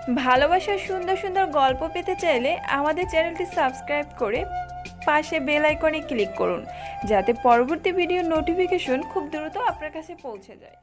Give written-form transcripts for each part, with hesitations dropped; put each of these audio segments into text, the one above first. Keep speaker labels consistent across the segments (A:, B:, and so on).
A: ভালোবাসার সুন্দর সুন্দর গল্প পেতে চাইলে আমাদের চ্যানেলটি সাবস্ক্রাইব করে পাশে বেল আইকনে ক্লিক করুন, যাতে পরবর্তী ভিডিওর নোটিফিকেশন খুব দ্রুত আপনার কাছে পৌঁছে যায়।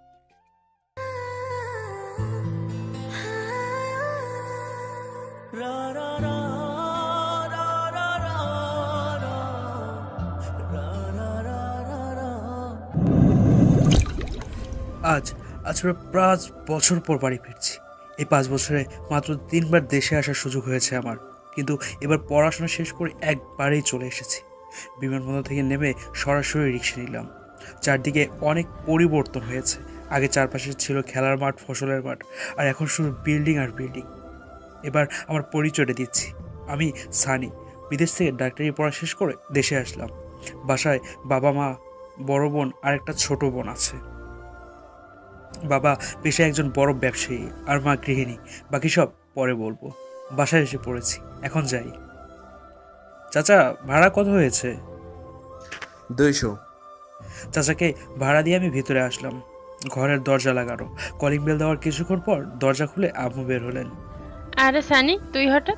B: আজ আজ প্রায় 5 বছর পর বাড়ি ফিরছি। এই 5 বছরে মাত্র 3বার দেশে আসার সুযোগ হয়েছে আমার, কিন্তু এবার পড়াশোনা শেষ করে একবারেই চলে এসেছি। বিমানবন্দর থেকে নেমে সরাসরি রিক্সা নিলাম। চারদিকে অনেক পরিবর্তন হয়েছে। আগে চারপাশে ছিল খেলার মাঠ, ফসলের মাঠ, আর এখন শুধু বিল্ডিং আর বিল্ডিং। এবার আমার পরিচয়টা দিচ্ছি, আমি সানি। বিদেশ থেকে ডাক্তারি পড়া শেষ করে দেশে আসলাম। বাসায় বাবা মা, বড় বোন আর একটা ছোট বোন আছে। বাবা পেশায় একজন বড় ব্যবসায়ী আর মা গৃহিণী। বাকি সব পরে বলবো। বাসায় এসে পড়েছি, এখন যাই। চাচা, ভাড়া কত হয়েছে?
C: 200।
B: চাচাকে ভাড়া দিয়ে আমি ভিতরে আসলাম। ঘরের দরজা লাগানো। কলিং বেল দেওয়ার কিছুক্ষণ পর দরজা খুলে আম্মু বের হলেন।
D: আরে সানি, তুই হঠাৎ?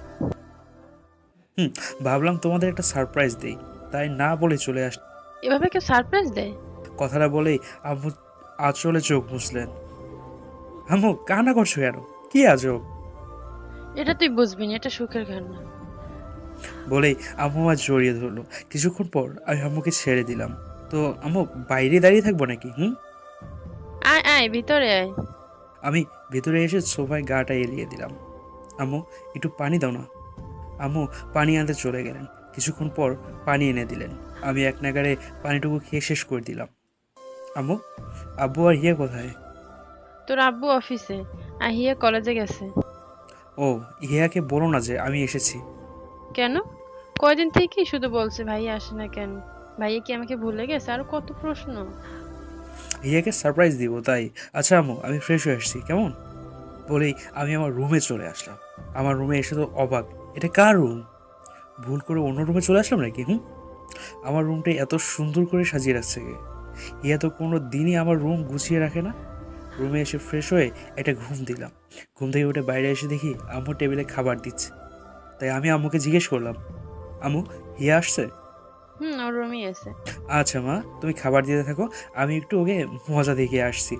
B: ভাবলাম তোমাদের একটা সারপ্রাইজ দেই, তাই না বলে চলে আস।
D: এভাবে কেউ সারপ্রাইজ দেয়?
B: কথাটা বলেই আম্মু আঁচলে চোখ মুছলেন। আম্মু, কান্না করছো কেন? কি আজব?
D: এটা তুই বুঝবি না, এটা সুখের কান্না।
B: বলেই আম্মু আমার জড়িয়ে ধরলো। কিছুক্ষণ পর আমি আম্মুকে ছেড়ে দিলাম। তো আম্মু, বাইরে দাঁড়িয়ে থাকবো নাকি?
D: আয় আয়, ভিতরে আয়।
B: আমি ভেতরে এসে সোফায় গাটা এলিয়ে দিলাম। আম্মু, একটু পানি দাও না। আম্মু পানি আনতে চলে গেলেন। কিছুক্ষণ পর পানি এনে দিলেন। আমি এক নাগাড়ে পানিটুকু খেয়ে শেষ করে দিলাম। আম্মু, আব্বু আর হিয়া কোথায়?
D: তোর আব্বু অফিসে, আর হিয়া কলেজে গেছে।
B: ও, হিয়াকে বলো না যে আমি এসেছি।
D: কেন? কয়দিন থেকে শুধু বলছে ভাইয়া আসে না কেন। ভাইয়া কি আমাকে ভুলে গেছে? আর কত প্রশ্ন।
B: হিয়াকে সারপ্রাইজ দিব তাই। আচ্ছা আম্মু, আমি ফ্রেশ হয়ে আসছি, কেমন? বলেই আমি আমার রুমে চলে আসলাম। আমার রুমে এসে তো অবাক, এটা কার রুম? ভুল করে অন্য রুমে চলে আসলাম নাকি? আমার রুমটা এত সুন্দর করে সাজিয়ে রাখছে কে? ইয়া তো কোনো দিনই আমার রুম গুছিয়ে রাখে না। রুমে এসে ফ্রেশ হয়ে একটা ঘুম দিলাম। ঘুম থেকে উঠে বাইরে এসে দেখি আম্মু টেবিলে খাবার দিচ্ছে। তাই আমি আম্মুকে জিজ্ঞেস করলাম, আম্মু, হিয়া আসছে?
D: ওর রুমই আছে।
B: আচ্ছা মা, তুমি খাবার দিতে থাকো, আমি একটু ওকে মজা দেখে আসছি।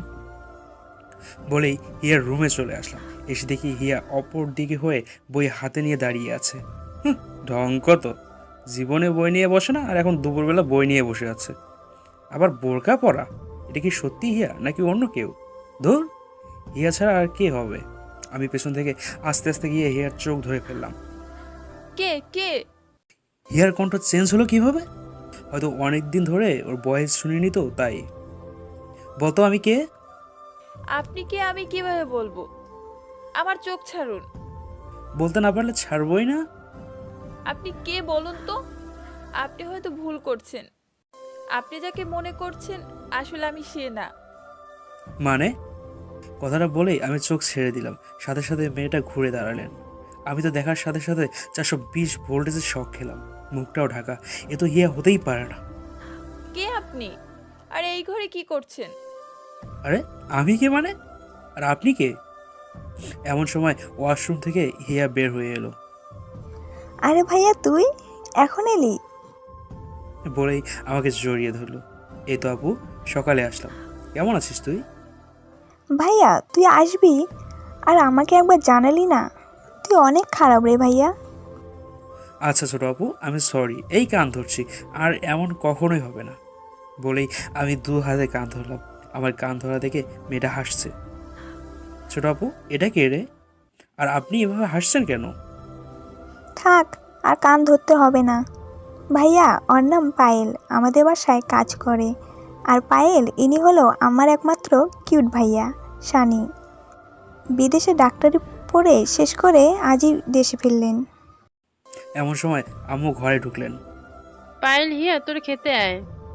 B: বলেই হিয়ার রুমে চলে আসলাম। এসে দেখি হিয়া অপর দিকে হয়ে বই হাতে নিয়ে দাঁড়িয়ে আছে। ঢং কত! জীবনে বই নিয়ে বসে না, আর এখন দুপুরবেলা বই নিয়ে বসে আছে। আবার বোরকা পরা। এটা কি সত্যি হিয়া নাকি অন্য কেউ? ধুর, হিয়া ছাড়া আর কে হবে? আমি পেছন থেকে আস্তে আস্তে গিয়ে হিয়ার চোখ ধরে ফেললাম।
A: কে কে?
B: হিয়ার কণ্ঠ চেঞ্জ হলো কিভাবে? হয়তো অনেক দিন ধরে ওর ভয়েস শুনিনি তো তাই। বলতো আমি কে?
A: আপনি কে আমি কিভাবে বলবো? আমার চোখ ছাড়ুন।
B: বলতে না পারলে ছাড়বই না।
A: আপনি কে বলুন তো? আপনি হয়তো ভুল করছেন। আপনি যাকে মনে করছেন আসলে আমি সে না।
B: মানে? কথাটা বলেই আমি চোখ ছেড়ে দিলাম। সাথে সাথে মেয়েটা ঘুরে দাঁড়ালেন। আমি তো দেখার সাথে সাথে 420 ভোল্টেজের শক খেলাম। মুখটাও ঢাকা। এ তো হিয়া হতেই পারে না।
A: কে আপনি? আর এই ঘরে কি করছেন?
B: আরে, আমি কে মানে? আর আপনি কে? এমন সময় ওয়াশরুম থেকে হিয়া বের হয়ে এলো।
E: আরে ভাইয়া, তুই এখন এলি?
B: বলেই আমাকে জড়িয়ে ধরলো। এই তো আপু, সকালে আসলাম। কেমন আছিস তুই?
E: ভাইয়া, তুই আসবি আর আমাকে একবার জানালি না? তুই অনেক খারাপ রে ভাইয়া।
B: আচ্ছা ছোট আপু, আমি সরি, এই কান ধরছি, আর এমন কখনোই হবে না। বলেই আমি 2 হাতে কান ধরলাম। আমার কান ধরা দেখে মেয়েটা হাসছে। ছোট আপু, এটা কে রে? আর আপনি এভাবে হাসছেন কেন?
E: থাক, আর কান ধরতে হবে না। ভাইয়া, ওর নাম পায়েল, আমাদের বাসায় কাজ করে। আর পায়েল ইনি হলো আমার একমাত্র কিউট ভাইয়া, শানি। বিদেশে ডাক্তারি পড়ে শেষ করে আজই দেশে ফিরলেন।
B: এমন সময় আম্মু ঘরে ঢুকলেন।
D: পায়েল, হিয়া তোর খেতে আয়।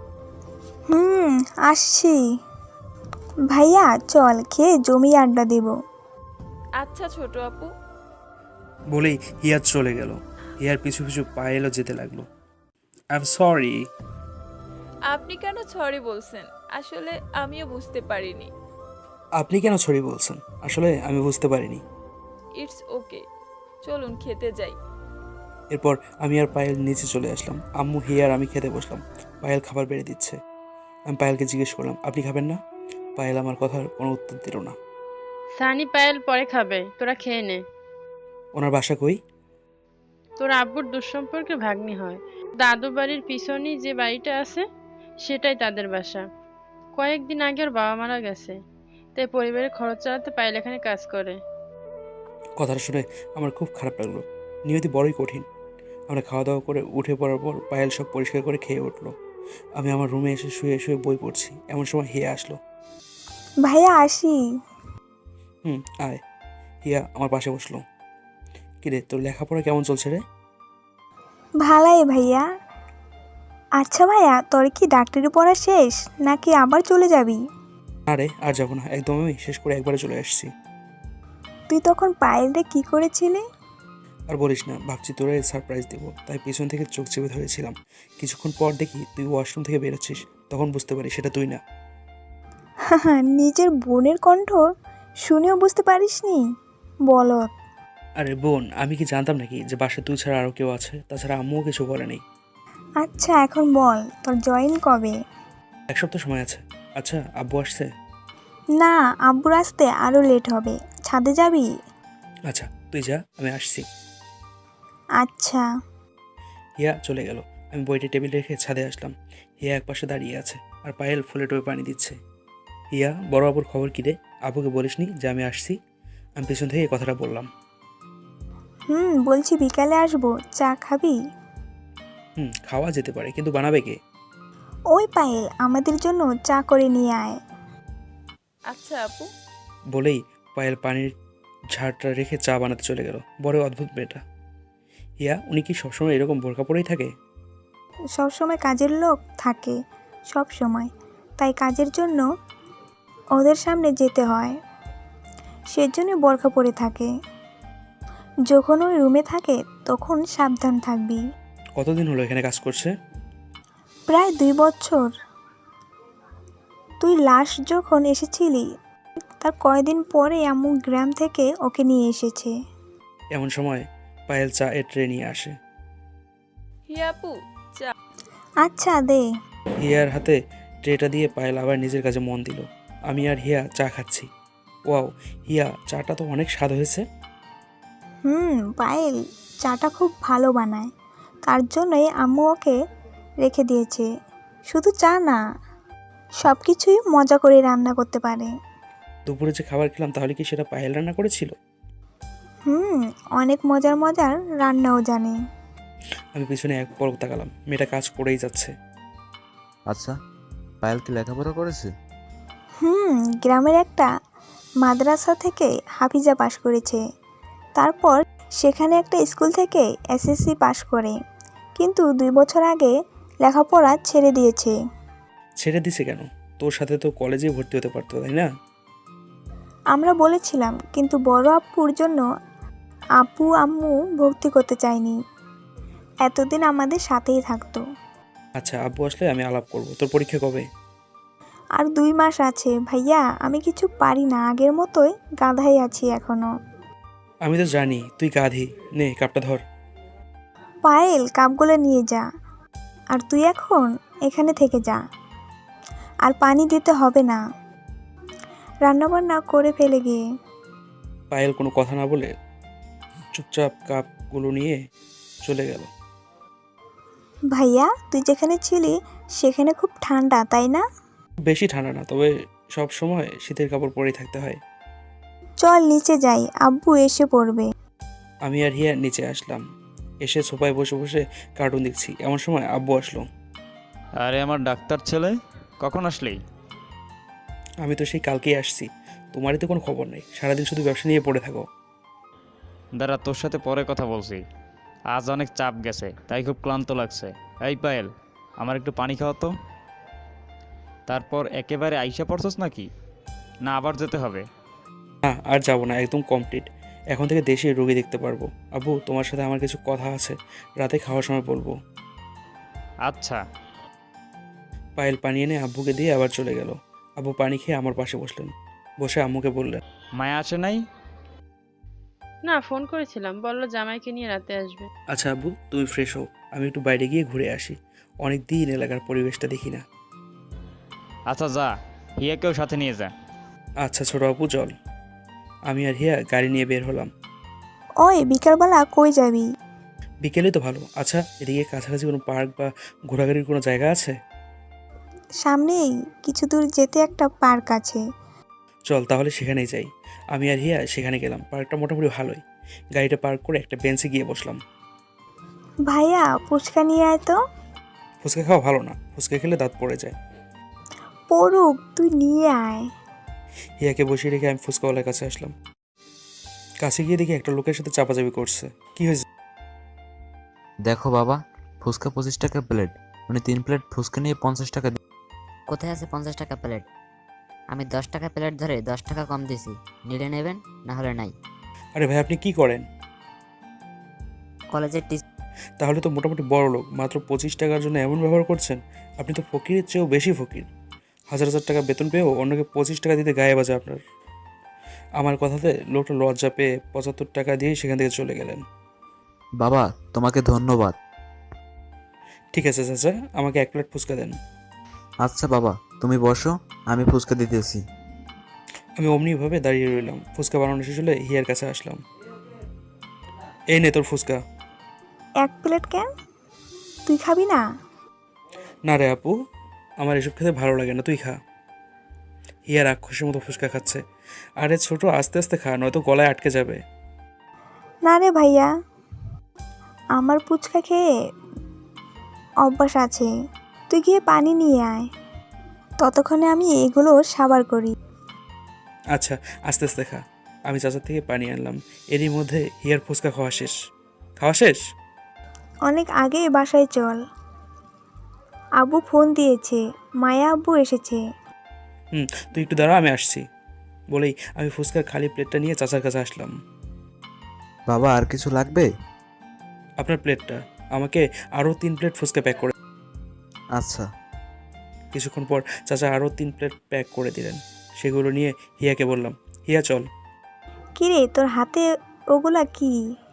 E: আসছি। ভাইয়া চল, খেয়ে জমিয়ে আড্ডা দেব।
A: আচ্ছা ছোট আপু।
B: বলেই হিয়া চলে গেল। হিয়ার পিছু পিছু পায়েলও যেতে লাগলো। I am sorry.
A: আপনি কেন সরি বলছেন? আসলে আমিও বুঝতে পারিনি।
B: আপনি কেন সরি বলছেন? আসলে আমি বুঝতে পারিনি।
A: ইটস ওকে, চলুন খেতে যাই।
B: এরপর আমি আর পায়েল নিচে চলে আসলাম। আম্মু, হিয়া আর আমি খেতে বসলাম। পায়েল খাবার বেড়ে দিচ্ছে। আমি পায়েলকে জিজ্ঞেস করলাম, আপনি খাবেন না? পায়েল আমার কথার কোনো উত্তর দিল না।
D: সানি পায়েল পরে খাবে, তোরা খেয়ে নে।
B: ওনার বাসা কই?
D: তোর আব্বুর দুঃসম্পর্কে ভাগ্নি হয়। দাদু বাড়ির পিছনেই যে বাড়িটা আছে সেটাই তাদের বাসা। কয়েকদিন আগে ওর বাবা মারা গেছে, তাই পরিবারের খরচ চালাতে পায়েল এখানে কাজ করে।
B: কথাটা শুনে আমার খুব খারাপ লাগলো। নিয়তি বড়ই কঠিন। আমরা খাওয়া দাওয়া করে উঠে পড়ার পর পায়েল সব পরিষ্কার করে খেয়ে উঠলো। আমি আমার রুমে এসে শুয়ে শুয়ে বই পড়ছি, এমন সময় হিয়া আসলো।
E: ভাইয়া আসি।
B: আয়। হিয়া আমার পাশে বসলো। কিরে, তোর লেখাপড়া কেমন চলছে রে?
E: ভালাই ভাইয়া। আচ্ছা ভাইয়া, তোর কি ডাক্তারি পড়া শেষ নাকি আবার চলে যাবি?
B: আরে আর যাবো না, একদম আমি শেষ করে একবারে চলে আসছি।
E: তুই তখন পায়েলরে কি করেছিলি?
B: আর বলিস না, ভাবছি তোরে সারপ্রাইজ দেবো, তাই পিছন থেকে চোখ চেপে ধরেছিলাম। কিছুক্ষণ পর দেখি তুই ওয়াশরুম থেকে বেরোচ্ছিস, তখন বুঝতে পারি সেটা তুই না।
E: নিজের বোনের কণ্ঠ শুনেও বুঝতে পারিসনি? বলত।
B: আরে বোন, আমি কি জানতাম নাকি যে বাসায় তুই ছাড়া আরও কেউ আছে? তাছাড়া আম্মুও কিছু বলেনি।
E: আচ্ছা এখন বল, তোর জয়েন কবে?
B: 1 সপ্তাহ সময় আছে। আচ্ছা, আব্বু আসছে?
E: না, আব্বুর আসতে আরও লেট হবে। ছাদে যাবি?
B: আচ্ছা তুই যা, আমি আসছি।
E: আচ্ছা।
B: হিয়া চলে গেল। আমি বইটি টেবিল রেখে ছাদে আসলাম। হিয়া একপাশে দাঁড়িয়ে আছে আর পায়েল ফুলে টোপে পানি দিচ্ছে। হিয়া, বড় আবুর খবর কী রে? আবুকে বলিসনি যে আমি আসছি? আমি পেছন থেকে এই কথাটা বললাম।
E: বলছি বিকালে আসবো, চা খাবি?
B: খাওয়া যেতে পারে, কিন্তু বানাবে কে?
E: ওই পায়েল, আমাদের জন্য চা করে নিয়ে আয়।
A: আচ্ছা আপু।
B: বলেই পায়েল পানির ঝাড়টা রেখে চা বানাতে চলে গেল। বড় অদ্ভুত মেয়েটা। হিয়া, উনি কি সবসময় এরকম বোরকা পরেই থাকে?
E: সবসময় কাজের লোক থাকে, সব সময়। তাই কাজের জন্য ওদের সামনে যেতে হয়, সেজন্য বোরকা পরে থাকে। যখন ওই রুমে থাকে তখন সাবধান থাকবি।
B: কতদিন হলো এখানে কাজ করছে?
E: প্রায় 2 বছর। তুই লাস্ট যখন এসেছিলি তার কয়েকদিন পরে আম্মু গ্রাম থেকে ওকে নিয়ে এসেছে।
B: এমন সময় পায়েল চা এর ট্রে নিয়ে আসে।
A: হিয়া আপু, চা।
E: আচ্ছা দে।
B: হিয়ার হাতে ট্রেটা দিয়ে পায়েল আবার নিজের কাজে মন দিল। আমি আর হিয়া চা খাচ্ছি। ওয়াও, হিয়া, চাটা তো অনেক স্বাদ হয়েছে।
E: পায়েল চাটা খুব ভালো বানায়, তার জন্যই আম্মু ওকে রেখে দিয়েছে। শুধু চা না, সব কিছুই মজা করে রান্না করতে পারে।
B: দুপুরে যে খাবার খেলাম, তাহলে কি সেটা পায়েল রান্না করেছিল?
E: অনেক মজার মজার রান্নাও জানে।
B: আমি পিছনে এক পলক তাকালাম, মেয়েটা কাজ করেই যাচ্ছে।
C: আচ্ছা, পায়েল কি লেখাপড়া করেছে?
E: গ্রামের একটা মাদ্রাসা থেকে হাফিজা পাশ করেছে। তারপর সেখানে একটা স্কুল থেকে এসএসসি পাশ করে, কিন্তু 2 বছর আগে লেখাপড়া ছেড়ে দিয়েছে।
B: ছেড়ে দিছে কেন? তোর সাথে তো কলেজে ভর্তি হতে পারতো, তাই না?
E: আমরা বলেছিলাম, কিন্তু বড় আব্বুর জন্য আব্বু আম্মু ভর্তি করতে চায়নি। এতদিন আমাদের সাথেই থাকতো।
B: আচ্ছা, আব্বু আসলে আমি আলাপ করব। তোর পরীক্ষা কবে?
E: আর 2 মাস আছে ভাইয়া, আমি কিছু পারি না, আগের মতোই গাধাই আছি এখনো।
B: আমি তো জানি তুই গাধি। নে কাপটা ধর।
E: পায়েল, কাপগুলো নিয়ে যা। আর তুই এখন এখানে থেকে যা, আর পানি দিতে হবে না, রান্নাবান্না করে ফেলে গিয়ে।
B: পায়েল কোনো কথা না বলে চুপচাপ কাপগুলো নিয়ে চলে গেল।
E: ভাইয়া, তুই যেখানে ছিলি সেখানে খুব ঠান্ডা, তাই না?
B: বেশি ঠান্ডা না, তবে সব সময় শীতের কাপড় পরেই থাকতে হয়।
E: চল নিচে যাই, আব্বু এসে পড়বে।
B: আমি আর হিয়া নিচে আসলাম। এসে সোফায় বসে বসে কার্টুন দেখছি, এমন সময় আব্বু আসলো।
F: আরে আমার ডাক্তার ছেলে, কখন আসলি?
B: আমি তো সেই কালকেই আসছি। তোমারই তো কোনো খবর নেই, সারাদিন শুধু ব্যবসা নিয়ে পড়ে থাকো।
F: দাঁড়া, তোর সাথে পরে কথা বলছি। আজ অনেক চাপ গেছে, তাই খুব ক্লান্ত লাগছে। এই পায়েল, আমার একটু পানি খাওয়া তো। তারপর একেবারে আইসা পড়ছস নাকি, না আবার যেতে হবে?
B: না, আর যাবো না, একদম কমপ্লিট। এখন থেকে দেশে রোগী দেখতে পারবো। আব্বু, তোমার সাথে আমার কিছু কথা আছে, রাতে খাওয়ার সময় বলবো।
F: আচ্ছা।
B: পায়েল পানি এনে আব্বুকে দিয়ে আবার চলে গেল। আব্বু পানি খেয়ে আমার পাশে বসলেন। বসে আম্মুকে বললেন,
F: মায়া আসে নাই?
D: না, ফোন করেছিলাম, বললো জামাইকে নিয়ে রাতে আসবে।
B: আচ্ছা আব্বু, তুমি ফ্রেশ হও, আমি একটু বাইরে গিয়ে ঘুরে আসি। অনেক দিন এলাকার পরিবেশটা দেখি না।
F: আচ্ছা যা, হিয়াকেও সাথে নিয়ে যা।
B: আচ্ছা ছোট আপু চল। আমি আর হিয়া গাড়ি নিয়ে বের হলাম।
E: ওই বিকালবেলা কই যাবি?
B: বিকেলে তো ভালো। আচ্ছা, এদিকে কাছাকাছি কোনো পার্ক বা ঘোরাঘুরির কোনো জায়গা আছে?
E: সামনেই কিছু দূর যেতে একটা পার্ক আছে।
B: চল তাহলে সেখানেই যাই। আমি আর হিয়া সেখানে গেলাম। পার্কটা মোটামুটি ভালোই। গাড়িটা পার্ক করে একটা বেঞ্চে গিয়ে বসলাম।
E: ভাইয়া ফুচকা নিয়ে আয় তো।
B: ফুচকা খাওয়া ভালো না, ফুচকা খেলে দাঁত পড়ে যায়।
E: পড়ুক, তুই নিয়ে আয়।
B: হিয়াকে বসিয়ে রেখে আমি ফুচকাওয়ালার কাছে আসলাম। কাছে গিয়ে দেখি একটা লোকের সাথে চাপাচাপি করছে। কি হয়েছে?
C: দেখো বাবা, ফুচকা 25 টাকা প্লেট, উনি 3 প্লেট ফুচকা নিয়ে 50 টাকা
G: কোথায় আছে 50 টাকা প্লেট? আমি 10 টাকা প্লেট ধরে 10 টাকা কম দিছি, নিলে নেবেন, না হলে নাই।
B: আরে ভাই, আপনি কি করেন?
G: কলেজের
B: তাহলে তো মোটামুটি বড় লোক, মাত্র 25 টাকার জন্য এমন ব্যবহার করছেন। আপনি তো ফকিরের চেয়েও বেশি ফকির। হাজার হাজার টাকা বেতন পেয়েও অন্যকে 25 টাকা দিতে গায়ে বাজে আপনার। আমার কথাতে লোকটা লজ্জা পেয়ে 75 টাকা দিয়ে সেখান থেকে চলে গেলেন।
C: বাবা, তোমাকে ধন্যবাদ।
B: ঠিক আছে চাচা, আমাকে 1 প্লেট ফুচকা দেন।
C: আচ্ছা বাবা, তুমি বসো, আমি ফুচকা দিতেছি।
B: আমি অমনিভাবে দাঁড়িয়ে রইলাম। ফুচকা বানানো শেষ হলে হিয়ার কাছে আসলাম। এই নে তোর ফুচকা।
E: 1 প্লেট কেন? তুই খাবি না?
B: না রে আপু, আমার এসব খেতে ভালো লাগে না, তুই খা। হিয়া রাক্ষসের মতো ফুচকা খাচ্ছে। আরে ছোট, আস্তে আস্তে খা, নয়তো গলায় আটকে যাবে।
E: না রে ভাইয়া, আমার ফুচকা খেয়ে অভ্যাস আছে। তুই গিয়ে পানি নিয়ে আয়, ততক্ষণে আমি এগুলো সাবার করি।
B: আচ্ছা, আস্তে আস্তে খা। আমি চাচার থেকে পানি আনলাম। এরই মধ্যে হিয়ার ফুচকা খাওয়া শেষ। খাওয়া শেষ?
E: অনেক আগে বাসায় চল, আব্বু ফোন দিয়েছে, মায়া আব্বু এসেছে।
B: তুই একটু দাঁড়া, আমি আসছি। বলেই আমি ফুচকার খালি প্লেটটা নিয়ে চাচার কাছে আসলাম।
C: বাবা, আর কিছু লাগবে?
B: আপনার প্লেটটা, আমাকে আরও 3 প্লেট ফুচকা প্যাক করে।
C: আচ্ছা।
B: কিছুক্ষণ পর চাচা আরও 3 প্লেট প্যাক করে দিলেন। সেগুলো নিয়ে হিয়াকে বললাম, হিয়া চল।
E: কিরে, তোর হাতে ওগুলা কি?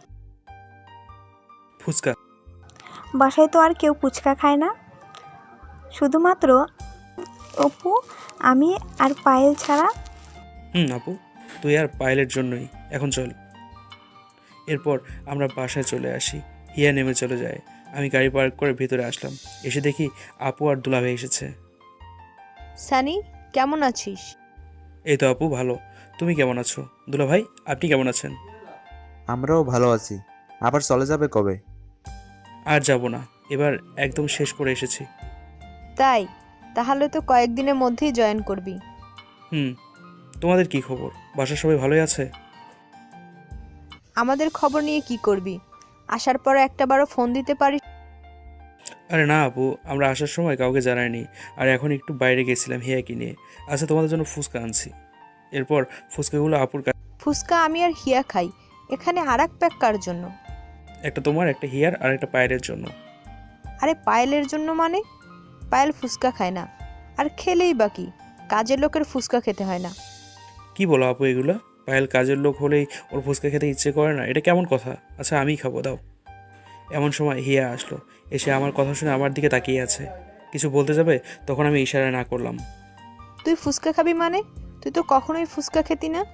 B: ফুচকা।
E: বাসায় তো আর কেউ ফুচকা খায় না, শুধুমাত্র অপু, আমি আর পায়েল ছাড়া।
B: আপু, তুই আর পায়েলের জন্যই। এখন চল। এরপর আমরা বাসায় চলে আসি। হিয়া নেমে চলে যায়। আমি গাড়ি পার্ক করে ভিতরে আসলাম। এসে দেখি আপু আর দুলাভাই এসেছে।
H: সানি, কেমন আছিস?
B: এই তো আপু, ভালো। তুমি কেমন আছো? দুলাভাই, আপনি কেমন আছেন?
C: আমরাও ভালো আছি। আবার চলে যাবে কবে?
B: আর যাব না, এবার একদম শেষ করে এসেছি।
H: তাই? তাহলে তো কয়েকদিনের মধ্যেই জয়েন করবি।
B: তোমাদের কি খবর? বাসার সবাই ভালোই আছে?
H: আমাদের খবর নিয়ে কি করবি? আসার পরে একটাবারও ফোন দিতে পারিস?
B: আরে না আপু, আমরা আসার সময় কাউকে জানাইনি। আর এখন একটু বাইরে গেছিলাম হিয়াকে নিয়ে। আচ্ছা, তোমাদের জন্য ফুচকা আনছি। এরপর ফুচকাগুলো আপুর কাছে।
H: ফুচকা আমি আর হিয়া খাই, এখানে আর এক প্যাক কার জন্য?
B: একটা তোমার, একটা হিয়ার, আর একটা পায়েলের জন্য।
H: আরে পায়েলের জন্য মানে? পায়েল ফুচকা খায় না, আর খেলেই বাকি, কাজের লোকের ফুচকা খেতে হয় না।
B: কি বলো আপু এগুলা? পায়েল কাজের লোক হলেই ওর ফুচকা খেতে ইচ্ছে করে না, এটা কেমন কথা? আচ্ছা, আমিই খাবো, দাও। এমন সময় হিয়া আসলো। এসে আমার কথা শুনে আমার দিকে তাকিয়ে আছে। কিছু বলতে যাবে, তখন আমি ইশারা না করলাম।
H: তুই ফুচকা খাবি মানে? তুই তো কখনোই ফুচকা খেতি না।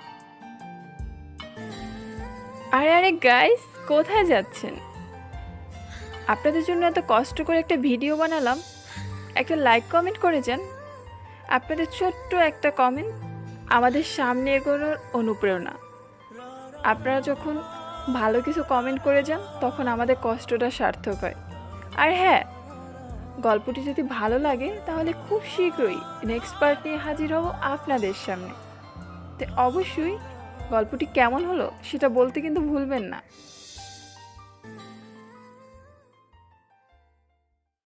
A: আরে আরে গাইস, কোথায় যাচ্ছেন? আপনাদের জন্য এত কষ্ট করে একটা ভিডিও বানালাম, একটা লাইক কমেন্ট করে যান। আপনাদের ছোট্ট একটা কমেন্ট আমাদের সামনে এগোনোর অনুপ্রেরণা। আপনারা যখন ভালো কিছু কমেন্ট করে যান, তখন আমাদের কষ্টটা সার্থক হয়। আর হ্যাঁ, গল্পটি যদি ভালো লাগে তাহলে খুব শীঘ্রই নেক্সট পার্ট নিয়ে হাজির হব আপনাদের সামনে। তো অবশ্যই গল্পটি কেমন হলো সেটা বলতে কিন্তু ভুলবেন না।